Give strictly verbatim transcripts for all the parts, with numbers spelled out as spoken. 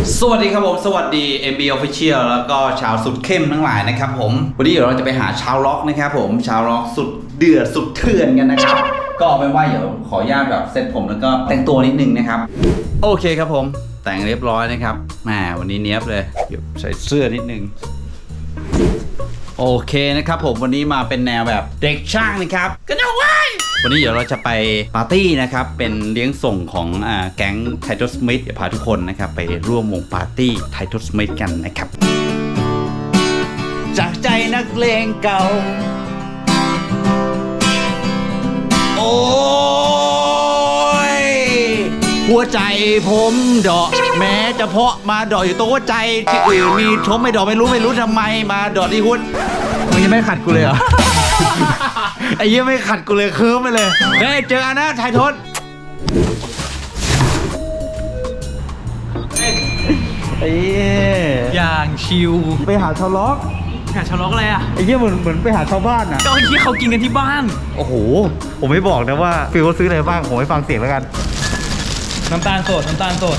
สวัสดีครับผมสวัสดี เอ็ม บี Official แล้วก็ชาวสุดเข้มทั้งหลายนะครับผมวันนี้เดี๋ยวเราจะไปหาชาวล็อกนะครับผมชาวล็อกสุดเดือดสุดเถื่อนกันนะครับก็เอาเป็นว่าเดี๋ยวขออนุญาตแบบเซ็ตผมแล้วก็แต่งตัวนิดนึงนะครับโอเคครับผมแต่งเรียบร้อยนะครับแหมวันนี้เนี้ยบเลยเดี๋ยวใส่เสื้อนิดนึงโอเคนะครับผมวันนี้มาเป็นแนวแบบเด็กช่างนะครับกันเอาไว้วันนี้เดี๋ยวเราจะไปปาร์ตี้นะครับเป็นเลี้ยงส่งของอ่าแก๊งไททอสมิธเดี๋ยวพาทุกคนนะครับไปร่วมวงปาร์ตี้ไททอสมิธกันนะครับจากใจนักเลงเก่าโอ้ยหัวใจผมดอกแม้จะเพาะมาดอกอยู่ตัวใจที่อื่นมีชมไม่ดอกไม่รู้ไม่รู้ทำไมมาดอกที่หุ้นมึงยังไม่ขัดกูเลยเหรอ ไอ้เหี้ยไม่ขัดกูเลยเคิร์มไปเลยเฮ้ยเจอกันนะไททศไอ้เหี้ยอย่างชิวไปหาชาวล็อกหาชาวล็อกอะไรอ่ะไอ้เหี้ยเหมือนเหมือนไปหาชาวบ้านอ่ะก็ที่เขากินกันที่บ้านโอ้โหผมไม่บอกนะว่าฟิลเขาซื้ออะไรบ้างผมให้ฟังเสียงแล้วกันน้ำตาลสดน้ำตาลสด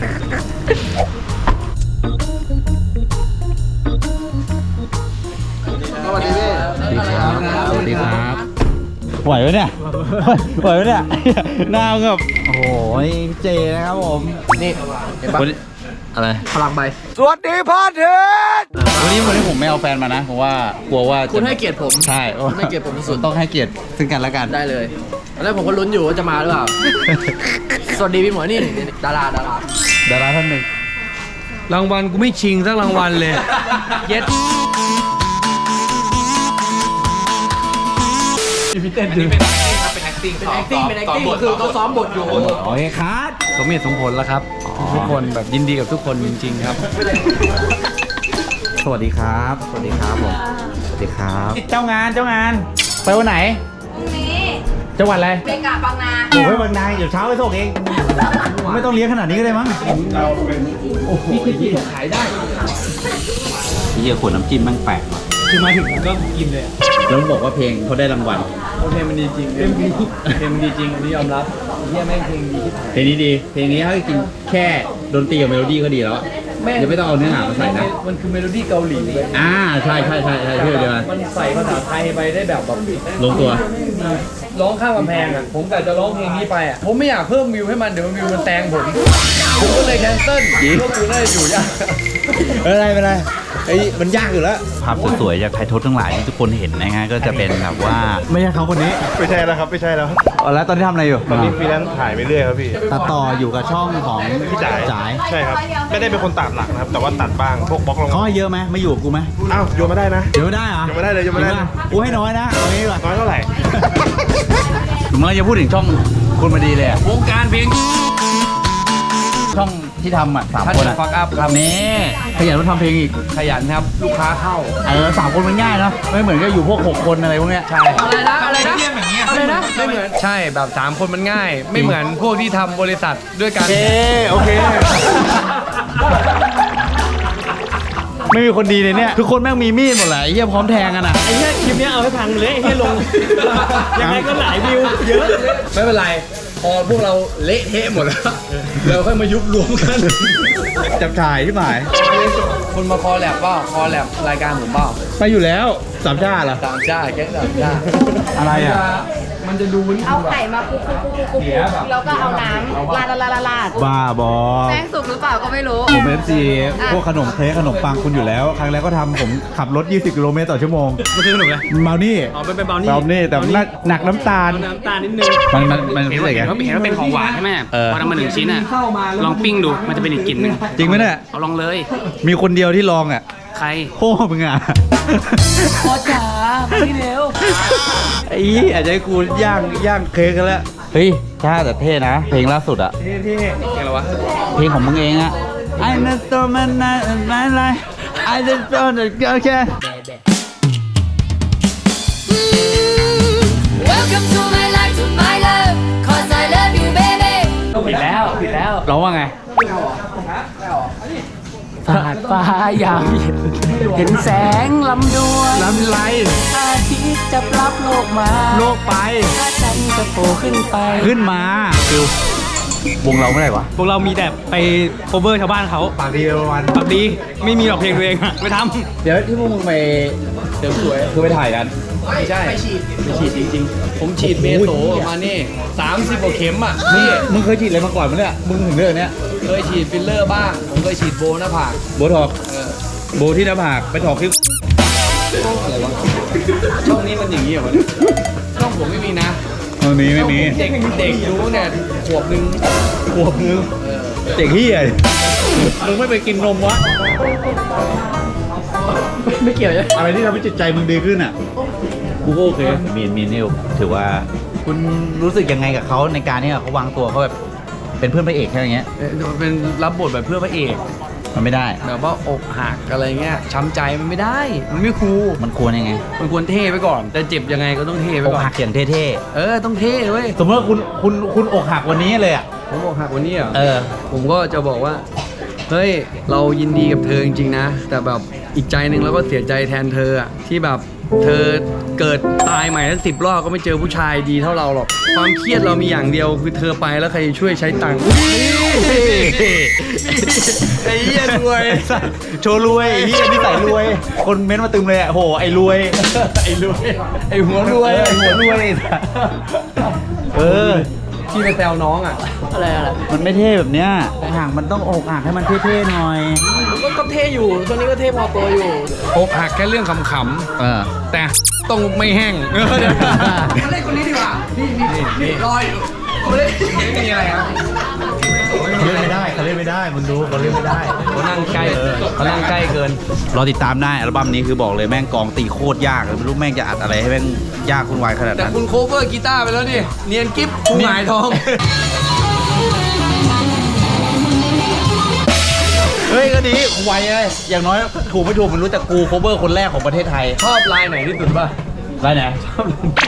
สวัสดีพี่สวัสดีครับสวัสดีครับไหวไหมเนี่ยไหวไหมเนี่ยหน้าแบบโอ้โหเจนะครับผมนี่เห็นปะอะไรพลังใบสวัสดีพ่อเถิดวันนี้วันนี้ผมไม่เอาแฟนมานะเพราะว่ากลัวว่าคุณให้เกียรติผมใช่คุณให้เกียรติผมที่สุดต้องให้เกียรติซึ่งกันและกันได้เลยแล้วผมก็ลุ้นอยู่ว่าจะมาหรือเปล่า สวัสดีพี่หมอนี่ดาราดาราดาราท่านหนึ่งรางวัลกูไม่ชิงสักรางวัลเลย เย็ดพี่เต้นดูเป็น acting เป็น acting เป็น acting คือเขาซ้อมบทอยู่โอเคครับสมเหตุสมผลแล้วครับทุกคนแบบยินดีกับทุกคนจริงๆครับสวัสดีครับสวัสดีครับผมสวัสดีครับเจ้างานเจ้างานไปวันไหนพรุ่งนี้จังหวัดอะไรเบกาบางนาโอ้ยบางนาเดี๋ยวเช้าไปส่งเองไม่ต้องเลี้ยงขนาดนี้ก็ได้มั้งโอ้โหขายได้ที่เยี่ยขวดน้ำจิ้มมันแปลกว่ะคือมาถึงก็กินเลยแล้วบอกว่าเพลงเขาได้รางวัลเพลงมันดีจริงเพลงมันดีเพลงมันดีจริงอันนี้ยอมรับเฮียแม่งเพลงดีที่เพลงนี้ดีเพลงนี้เขากินแค่ดนตรีกับเมโลดี้ก็ดีแล้วเดี๋ยวไม่ต้องเอาเนื้อหามาใส่นะมันคือเมโลดี้เกาหลีเลยอ่าใช่ใช่ใช่ใช่เชื่อเดียวกันมันใส่ภาษาไทยไปได้แบบแบบลงตัวร้องข้ามกำแพงอ่ะผมแต่จะร้องเพลงนี้ไปอ่ะผมไม่อยากเพิ่มวิวให้มันเดี๋ยววิวมันแซงผมผมก็เลยแคนเซิลพวกกูน่าจะอยู่ยากไม่เป็นไรไม่เป็นไรไอ้มันยากอยู่แล้วภาพสวยๆจากไททศทั้งหลายที่ทุกคนเห็นนะฮะก็จะเป็นแบบว่าไม่ใช่เขาคนนี้ไม่ใช่แล้วครับไม่ใช่แล้วแล้วตอนนี้ทำอะไรอยู่ตอนนี้ฟรีแลนซ์ถ่ายไปเรื่อยครับพี่ตัดต่ออยู่กับช่องของพี่จ๋ายจ๋ายใช่ครับไม่ได้เป็นคนตัดหลักนะครับ แต่ว่าตัดบ้างพวกบล็อกลงเขาให้เยอะไหมมาอยู่กับกูไหมอ้าวโยนมาได้นะเดี๋ยวไม่ได้เหรอเดี๋ยวไม่ได้เลยเดี๋ยวไม่ได้เลยกูให้น้อยนะเอางี้ดีกว่าน้อยเท่าไหร่เมื่อจะพูดถึงช่องคุณมาดีเลยอะวงการเพลงช่องที่ทำอ่ะสามท่านคนจะอ่ะฟักอัพครับนี่ขยันมาทำเพลงอีกขยันครับลูกค้าเข้าเออสามคนมันง่ายนะไม่เหมือนกับอยู่พวกหกคนอะไรพวกเนี้ยใช่อะไรนะอะไรนะอะไรนะไม่เหมือนใช่แบบสามคนมันง่าย ไม่เหมือนพวกที่ทำบริษัทด้วยกันโอเคโอเคไม่มีคนดีเลยเนี่ยทุกคนแม่งมีมีดหมดแหละไอ้เหี้ยพร้อมแทงกันอ่ะไอ้เนี้ยคลิปเนี้ยเอาให้พังเลยไอ้เนี้ยลง ยังไงก็หลายวิวเยอะ ไม่เป็นไร พอพวกเราเละเทะหมดแล้ว เราค่อยมายุบรวมกันจับถ่ายที่หมายคุณมาคอแลบเปล่าคอแลบรายการผมเปล่าไปอยู่แล้วสามชาติเหรอสามชาติแก๊งสามชาติอะไรอ่ะมันจะดูมันเอาไข่มาคลุกคลุกคลุกคลุกคลุกแล้วก็เอาน้ำลาดลาดลาดลาดบ้าบอแป้งสุกหรือเปล่าก็ไม่รู้ผมเอฟซีพวกขนมเค้กขนมปังคุณอยู่แล้ว ครั้งแรกก็ทำผมขับรถยี่สิบกิโลเมตรต่อชั่วโมงมันคือขนมอะไรเมานี่อ๋อเป็นเป็นเบลนี่เบานี่แต่หนักหนักน้ำตาลน้ำตาลนิดนึงมันมันมันเห็พินเศว่าษไงเห็นว่าเห็นว่าเป็นของหวานใช่ไหมเออพอทำมาหนึ่งชิ้นอ่ะ ลองปิ้งดู มันจะเป็นอีกกลิ่นหนึ่งจริงไหมเนี่ยเอาลองเลยมีคนเดียวที่ลองอ่ะใครพ่อมึงอ่ะพ่อจ๋ามาที่เร็วไอ้ยี่อาจจะให้กูย่างย่างเค้กกันแล้วเฮ้ยใช่แต่เท่นะ เพลงล่าสุดอ่ะที่ที่อะไรวะเพลงของมึงเองอ่ะ I know so man my life I just want to go okay Welcome to my life to my love cause I love you baby ผิดแล้วผิดแล้วร้องว่าไงฟาดฟ้ายามเย็นเห็นแสงลำดวนลำไรอาทิตย์จะรับโลกมาโลกไปถ้าฉันจะโผล่ขึ้นไปขึ้นมาฟิววงเราเมื่อไหร่วะพวกเรามีแต่ไป cover ชาวบ้านเขาปากดีประมาณปากดีไม่มีหรอกเพลงตัวเองอะไม่ทเดี๋ยวที่พวกมึงไปเดี๋ยวสวยคือไปถ่ายกันไม่ใช่ไปฉีดไปฉีดจริงๆ ผมฉีดเมโสมานี่สามสิบกว่าเข็มอ่ะนี่มึงเคยฉีดอะไรมาก่อนมั้ยเนี่ยมึงถึงเรื่องเนี้ยเคยฉีดฟิลเลอร์บ้าง ผมเคยฉีดโบหน้าผากโบท็อกโบที่หน้าผากไปถอกที่ช่องนี้มันอย่างนี้เหรอวะช่องผมไม่มีนะตรงนี้ไม่มีเด็กเด็กดูเนี่ยขวบหนึ่งขวบนึงเด็กเฮียมึงไม่ไปกินนมวะไม่เกี่ยวใช่อะไรที่ทำให้จิตใจมึงดีขึ้นอ่ะกูก็โอเคมีนมีนิวถือว่าคุณรู้สึกยังไงกับเขาในการที่เขาวางตัวเขาแบบเป็นเพื่อนพระเอกแค่อย่างเงี้ยเป็นรับบทแบบเพื่อพระเอกมันไม่ได้แบบว่าอกหักอะไรเงี้ยช้ำใจมันไม่ได้ มันไม่คูลมันควรยังไงมันควรเท่ไปก่อน แต่เจ็บยังไงก็ต้องเท่ไปอกก่อนหักอย่างเท่เออต้องเท่เว้ยๆสมมติว่าคุณคุณคุณอกหักวันนี้เลยอ่ะผมอกหักวันนี้เหรอเออผมก็จะบอกว่า เฮ้ย เรายินดีกับเธอจริงๆนะ แต่แบบอีกใจหนึ่งเราก็เสียใจแทนเธออะที่แบบเธอเกิดตายใหม่ทั้งสิบรอบก็ไม่เจอผู้ชายดีเท่าเราหรอก ความเครียดเรามีอย่างเดียวคือเธอไปแล้วใครจะช่วยใช้ตังค์ไอ้เหี้ยรวยโชว์รวยไอ้เฮียนี่ใส่รวย คนเม้นต์มาตึมเลยอ่ะโหไอ้รวยไอ้รวย ไอ้หัวรวยไอ้หัวรวยเออที่ไปแซวน้องอ่ะ อะไรอะไรมันไม่เท่แบบเนี้ยอกหักมันต้องอกหักให้มันเท่ๆหน่อยก็ก็เท่อยู่ตัวนี้ก็เท่พอตัวอยู่อกหักแค่เรื่องขำเออๆแต่ต้องไม่แห้งมาเล่นคนนี้ดีกว่า นี่นี่นี่รอยอยู่มาเล่นมีอะไรครับเขาเล่นไม่ได้เขาเล่นไม่ได้มึงดูเขาเล่นไม่ได้เขานั่งใกล้เขานั่งใกล้เกินรอติดตามได้อัลบั้มนี้คือบอกเลยแม่งกองตีโคตรยากเลยไม่รู้แม่งจะอัดอะไรให้แม่งยากคุณวายขนาดแต่นั้นคุณโคเวอร์กีตาร์ไปแล้วนี่ เนียนกิ๊บผู้หงายทองเฮ้ยก็ดีไวเลยอย่างน้อยถูกไม่ถูกมันรู้แต่กูโคเวอร์คนแรกของประเทศไทยชอบลายไหนที่สุดป่ะไรไหนชอบ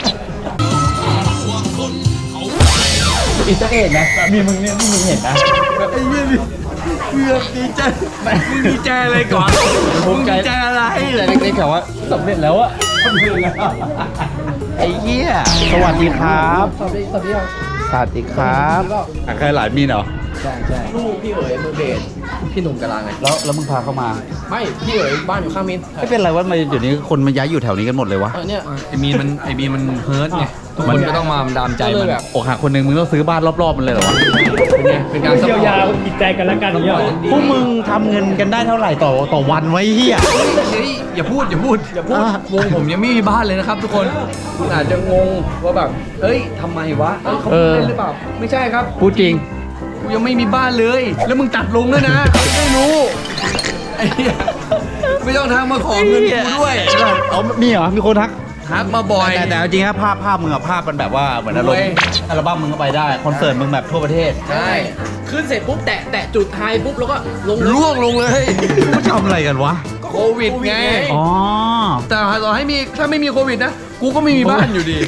อินเตอร์เอ็ดนะมีมึงเนี่ยที่มึงเห็นนะไอ้เหี้ยเกือบดีใจมึงดีใจอะไรก่อนมึงดีใจอะไรแต่เล็กๆแถวว่าสำเร็จแล้วอะสำเร็จแล้วไอ้เหี้ยสวัสดีครับสวัสดีสวัสดีครับสวัสดีครับอ่ะใครหลายมีนเหรอใช่ใช่ลูกพี่เอ๋ยมือเบสพี่หนุ่มกะลาไงแล้วแล้วมึงพาเข้ามาไม่ พี่เอ๋ยบ้านอยู่ข้างมินไม่เป็นไรว่ามาเดี๋ยวนี้คนมาย้ายอยู่แถวนี้กันหมดเลยวะเออเนี่ยไอมีนมันไอมีนมันเฮิร์ตไงทุกคนก็ต้องมาดามใจมันแบบอกหักคนหนึ่งมึงต้องซื้อบ้านรอบๆมันเลยเหรอวะเป็นไงเป็นการซัพพอร์ตจิตใจกันแล้วกันอย่างเงี้ยพวกมึงทำเงินกันได้เท่าไหร่ต่อต่อวันไว้เฮียเฮ้ยอย่าพูดอย่าพูดอย่าพูดอ่ะวงผมยังไม่มีบ้านเลยนะครับ ทุกคนคุณอาจจะงงว่าแบบเอ้ยทำไมวะเอ้ยเขาพูดเล่นหรือเปล่าไม่ใช่ครับพูดจริงกูยังไม่มีบ้านเลย แล้วมึงตัดลงด้วยนะเขาไม่รู้ไอ้เหี้ยไม่ต้องทางมาขอเงินกูด้วยเอามีเหรอ มีคนทักทักมาบ่อยแต่แต่เอาจริงๆครับภาพภาพมึงอะภาพมันแบบว่าเหมือนอารมรวยณ์อัลบั้มมึงก็ไปได้ คอนเสิร์ตมึงแบบทั่วประเทศใช่ขึ้นเสร็จปุ๊บแตะแตะจุดไฮปุ๊บแล้วก็ลงล่วงลงเลยมึงทำอะไรกันวะโควิดไงอ๋อแต่ต่อให้มีถ้าไม่มีโควิดนะ กูก็ไม่มีบ้านอยู่ดี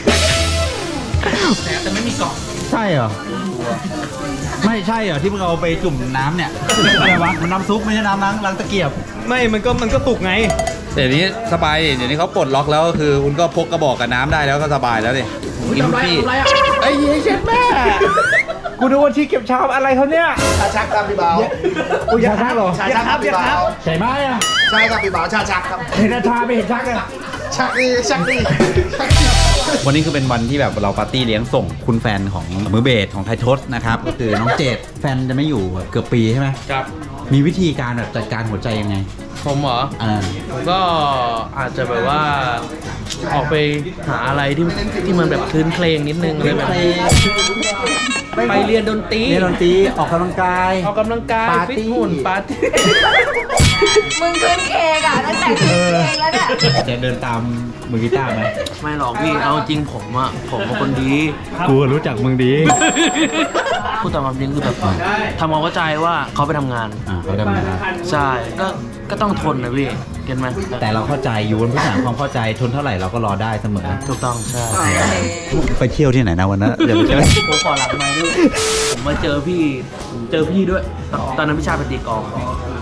ใช่เหรอ ไม่ใช่เหรอที่มึงเอาไปจุ่มน้ำเนี่ย อะไรวะ มันน้ำซุปไม่ใช่น้ำล้างล้างตะเกียบไม่มันก็มันก็ตุกไงเดี๋ยวนี้สบายเดี๋ยวนี้เขาปลดล็อกแล้วก็คือคุณก็พกกระบอกกับน้ำได้แล้วก็สบายแล้วดิกินพี่ไอ้เหี้ยเช็ดแม่กูดูว่าที่เก็บชามอะไรเขาเนี่ยชาชักครับพี่บ่าวอุ้ยอยากทักหรอชาชักครับพี่บ่าวใช่ไหมอะใช่ครับพี่บ่าวชาชักครับเห็นอาชาไม่เห็นชักอะชักดีชักดีวันนี้คือเป็นวันที่แบบเราปาร์ตี้เลี้ยงส่งคุณแฟนของมือเบสของไททศนะครับ ก็คือน้องเจดแฟนจะไม่อยู่เกือบปีใช่ไหมครับมีวิธีการแบบจัดการหัวใจยังไงผมเหรออ่าผมก็อาจจะแบบว่าออกไปหาอะไรที่ที่มันแบบคลื่นเพลงนิดนึงอะไรแบบนี้ไปเรียนดนตรีเล่นดนตรีออกกำลังกายออกกำลังกายปาร์ตี้ฟิตหุ่นปาร์ตี้มึงขึ้นเคกอะตั้งแต่ขึ้นเคกแล้วเนี่ยจะเดินตามมือกีตาร์ไหมไม่หรอกพี่เอาจริงผมอะผมเป็นคนดีกูรู้จักมึงดีพูดตามความจริงคือแบบทำความเข้าใจว่าเขาไปทำงานอ่าเขาทำงานใช่ก็ก็ต้องทนนะพี่เก็ตไหมแต่เราเข้าใจอยู่บนพื้นฐานความเข้าใจทนเท่าไหร่เราก็รอได้เสมอถูกต้องใช่ไปเที่ยวที่ไหนนะวันนั้นเดี๋ยวไปเที่ยวผมขอหลักไม้ด้วยผมมาเจอพี่เจอพี่ด้วย ตอนนั้นพี่ชายไปตีกลอง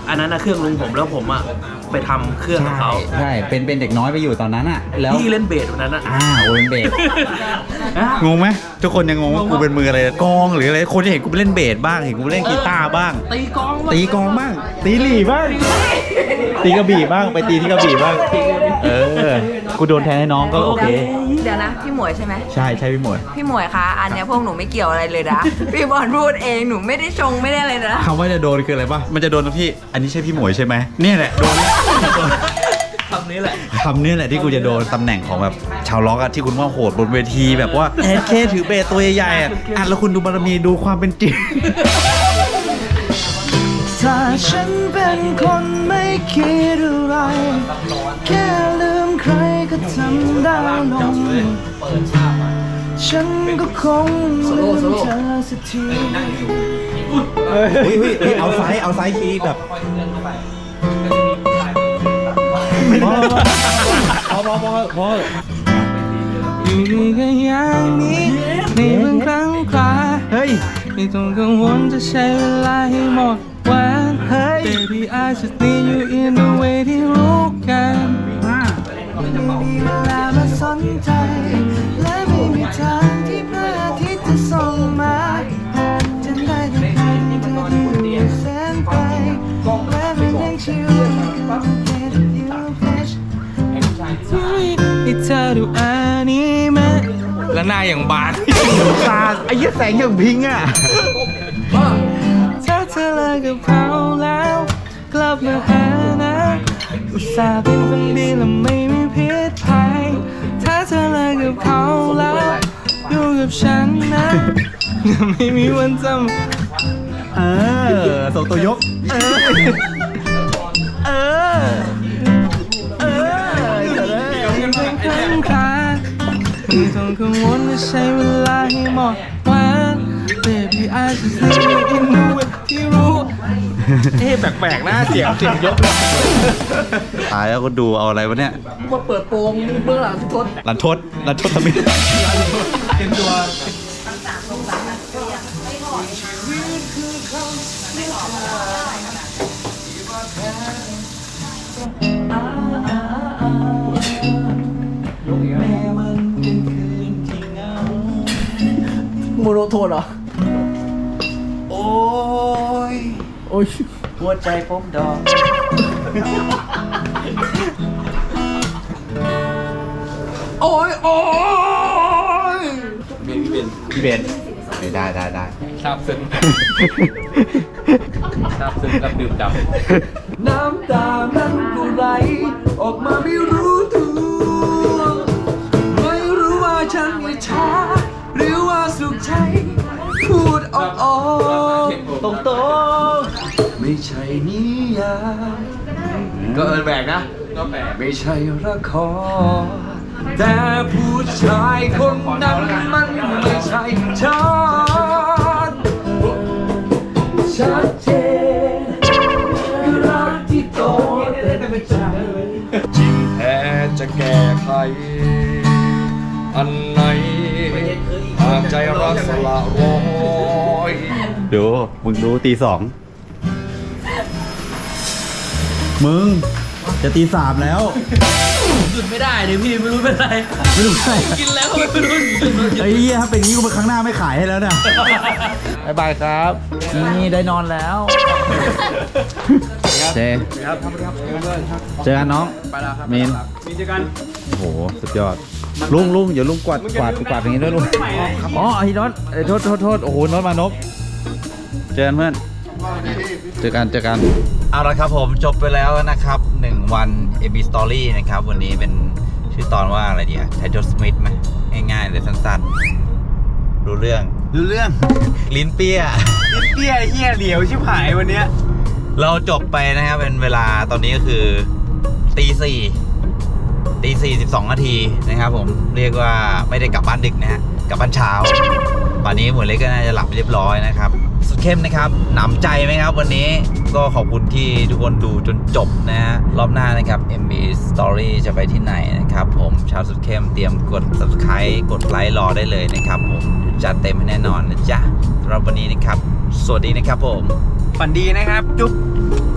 อันนั้นนะเครื่องลุงผมแล้วผมอ่ะไปทำเครื่องของเขาใช่เป็นเป็นเด็กน้อยไปอยู่ตอนนั้นอ่ะแล้วพี่เล่นเบสวันนั้นอ่ะอ่าโอเป็นเบสงงไหมทุกคนยังงงว่ากูเป็นมืออะไรกองหรืออะไรคนจะเห็นกูไปเล่นเบสบ้างเห็นกูไปเล่นกีตาร์บ้างตีกลองตีกลองบ้างตีหลี่บ้างตีกระบี่บ้างไปตีที่กระบี่บ้างเออกูโดนแทนให้น้องก็โอเคเดี๋ยวนะ พี่หมวยใช่ไหมใช่ใช่พี่หมวยพี่หมวยคะ อันเนี้ยพวกหนูไม่เกี่ยวอะไรเลยนะ พี่บอลพูดเองหนูไม่ได้ชงไม่ได้อะไรนะคำว่าจะโดนคืออะไรป่ะมันจะโดนนะพี่อันนี้ใช่พี่หมวยใช่ไหมเนี่ยแหละโดนคำนี้แหละคำนี้แหละที่กูจะโดนตำแหน่งของแบบชาวล็อกอะที่คุณว่าโหดบนเวทีแบบว่าแอดเคถือเบสตัวใหญ่ๆอะอ่ะแล้วคุณดูบารมีดูความเป็นจริงถ้าฉันเป็นคนไม่คิดอะไรแค่ลืมใครก็ทำได้ลงฉันก็คงลืมเธอสักทีเฮ้ยเฮ้ยเฮ้ยเอาไซส์เอาไซส์คีย์แบบพอพอพอพอพออยู่กันอย่างนี้ในบางครั้งคราเฮ้ยไม่ต้องกังวลจะใช้เวลาให้หมดวันเฮ้ย Baby I just need you in the way ที่รู้กันไม่มีเวลามาสนใจและไม่มีทางที่พระอาทิตย์จะส่องมาฉันได้แต่เพียงเธอที่อยู่แสนไกลและไม่ได้ชิวกับเธอที่อยู่เพชรให้เธอดูอนิเมะและหน้าอย่างบานตาไอ้ยี่แสงอย่างพิงอ่ะถ้าเธอเลิกกับเขาแล้วกลับมาหานะอุตส่าห์เป็นคนดีและไม่มีพิษภัยถ้าเธอเลิกกับเขาแล้วอยู่กับฉันนะไม่มีวันจำเออส่งตัวยกเออเออเออยังเป็นครั้งคราไม่ต้องกังวลจะใช้เวลาให้หมดวัน Baby I just need you in the way ที่รู้เอ๊ะแปลกๆนะเสียงเสียงยกตายแล้วก็ดูเอาอะไรวะเนี่ยมาเปิดโปงเบื้องหลังทุกคนลันทดลันทดทำไมเป็นตัวโมโนโทนเหรอโอ้ยโอ้ยหัวใจผมดอกโอ้ยโอ้ยพี่เบนไม่ได้ได้ได้ซาบซึ้งซาบซึ้งกับดื่มดำน้ำตานั้นก็ไหลออกมาไม่รู้ตัวไม่รู้ว่าฉันอิจฉาหรือว่าสุขใจพูดออกออกตรงตรงๆไม่ใช่นิยายก็เอินแบกนะก็แปลกไม่ใช่ละครแต่ผู้ชายคนนั้นมันไม่ใช่ฉันชัดเจนคือรักที่โตเต็มใจจริงแท้จะแก้ไขอันไหนหากใจรักสละร้อยดูมึงดูตีสองมึงจะตีสามแล้วหยุดไม่ได้เลยพี่ไม่รู้เป็นไรไม่รู้ใช่กินแล้วก็ไม่รู้ไอ้เหี้ยถ้าเป็นอย่างนี้กูไปครั้งหน้าไม่ขายให้แล้วเนี่ยบายบายครับนี่ได้นอนแล้วเจเจอกันน้องมีนมีเจอกันโอ้โหสุดยอดลุงลุงเดี๋ยวลุงกวาดกวาดกวาดอย่างนี้ด้วยลุงอ๋อไอ้น็อตไอ้โทษโทษโทษโอ้โหน็อตมานพเจอกันเพื่อนเจอกันเจอกันเอาละครับผมจบไปแล้วนะครับหนึ่งวัน เอ บี Story นะครับวันนี้เป็นชื่อตอนว่าอะไรดีอะไททอลสมิธไหมง่ายๆเลยสั้นๆรู้เรื่องรู้เรื่องลิ้นเปี้ยเปี้ยเฮียเหลียวชิบหายวันเนี้ยเราจบไปนะครับเป็นเวลาตอนนี้ก็คือตีสี่ตีสี่สิบสองนาทีนะครับผมเรียกว่าไม่ได้กลับบ้านดึกนะฮะกลับบ้านเช้าป่านนี้หมวยเล็กก็น่าจะหลับไปเรียบร้อยนะครับสุดเข้มนะครับหนำใจไหมครับวันนี้ก็ขอบคุณที่ทุกคนดูจนจบนะฮะรอบหน้านะครับ เอ็ม บี Story จะไปที่ไหนนะครับผมชาวสุดเข้มเตรียมกด Subscribe กดไลค์รอได้เลยนะครับผมจัดเต็มให้แน่นอนนะจ๊ะสำหรับวันนี้นะครับสวัสดีนะครับผมฝันดีนะครับ จุ๊บ